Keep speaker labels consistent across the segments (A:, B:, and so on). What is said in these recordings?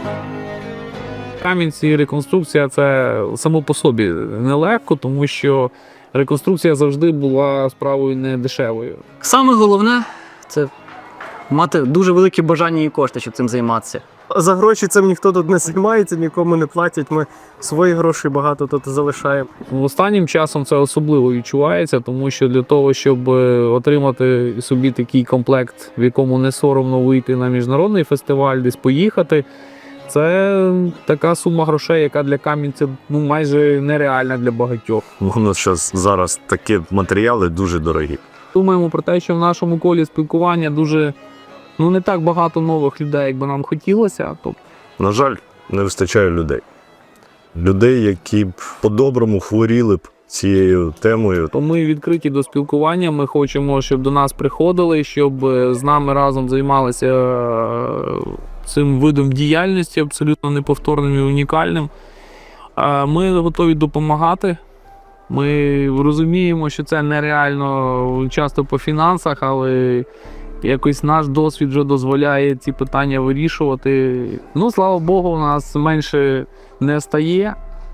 A: Кам'янці реконструкція – це само по собі нелегко, тому що реконструкція завжди була справою не дешевою.
B: Саме головне – це мати дуже велике бажання і кошти, щоб цим займатися.
C: За гроші цим ніхто тут не займається, нікому не платять. Ми свої гроші багато тут залишаємо.
A: Останнім часом це особливо відчувається, тому що для того, щоб отримати собі такий комплект, в якому не соромно вийти на міжнародний фестиваль, десь поїхати, це така сума грошей, яка для кам'янця майже нереальна для багатьох.
D: Воно зараз такі матеріали дуже дорогі.
A: Думаємо про те, що в нашому колі спілкування дуже не так багато нових людей, як би нам хотілося.
D: На жаль, не вистачає людей. Людей, які б по-доброму хворіли б цією темою.
A: То ми відкриті до спілкування, ми хочемо, щоб до нас приходили, щоб з нами разом займалися цим видом діяльності, абсолютно неповторним і унікальним. Ми готові допомагати. Ми розуміємо, що це нереально часто по фінансах, але якось наш досвід вже дозволяє ці питання вирішувати. Слава Богу, у нас менше не стає.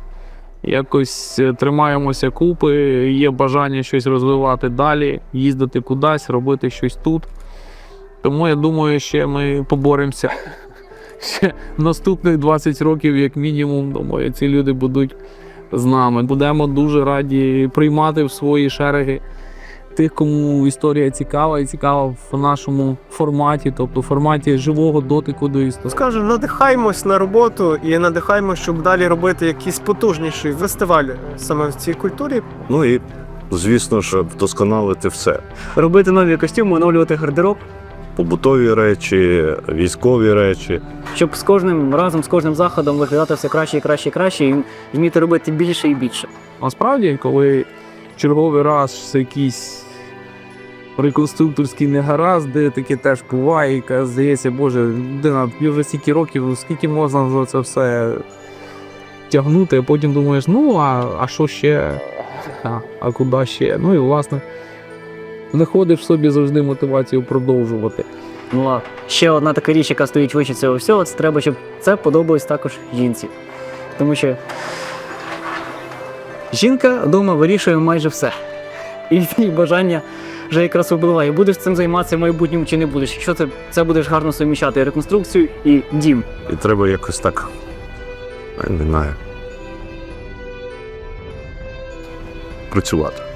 A: Якось тримаємося купи, є бажання щось розвивати далі, їздити кудись, робити щось тут. Тому я думаю, ще ми поборемося. Ще наступних 20 років, як мінімум, думаю, ці люди будуть з нами. Будемо дуже раді приймати в свої шереги тих, кому історія цікава і цікава в нашому форматі, тобто в форматі живого дотику до історії.
C: Скажу, надихаємось на роботу і надихаємось, щоб далі робити якийсь потужніший фестиваль саме в цій культурі.
D: Ну і, звісно ж, вдосконалити все.
B: Робити нові костюми, оновлювати гардероб,
D: Побутові речі, військові речі.
B: щоб з кожним разом, з кожним заходом виглядати все краще і краще і краще, і вміти робити більше і більше.
A: Насправді, коли черговий раз якийсь реконструкторський негаразд, де таке теж буває, яка здається, боже, людина, вже стільки років, скільки можна за це все тягнути, а потім думаєш, а що ще, а куди ще? І власне, знаходиш в собі завжди мотивацію продовжувати.
B: А ще одна така річ, яка стоїть вище цього всього, це треба, щоб це подобалось також жінці. Тому що жінка вдома вирішує майже все. І її бажання вже якраз впливає. Будеш цим займатися в майбутньому чи не будеш. Якщо це будеш гарно суміщати і реконструкцію, і дім.
D: І треба якось так, не знаю, працювати.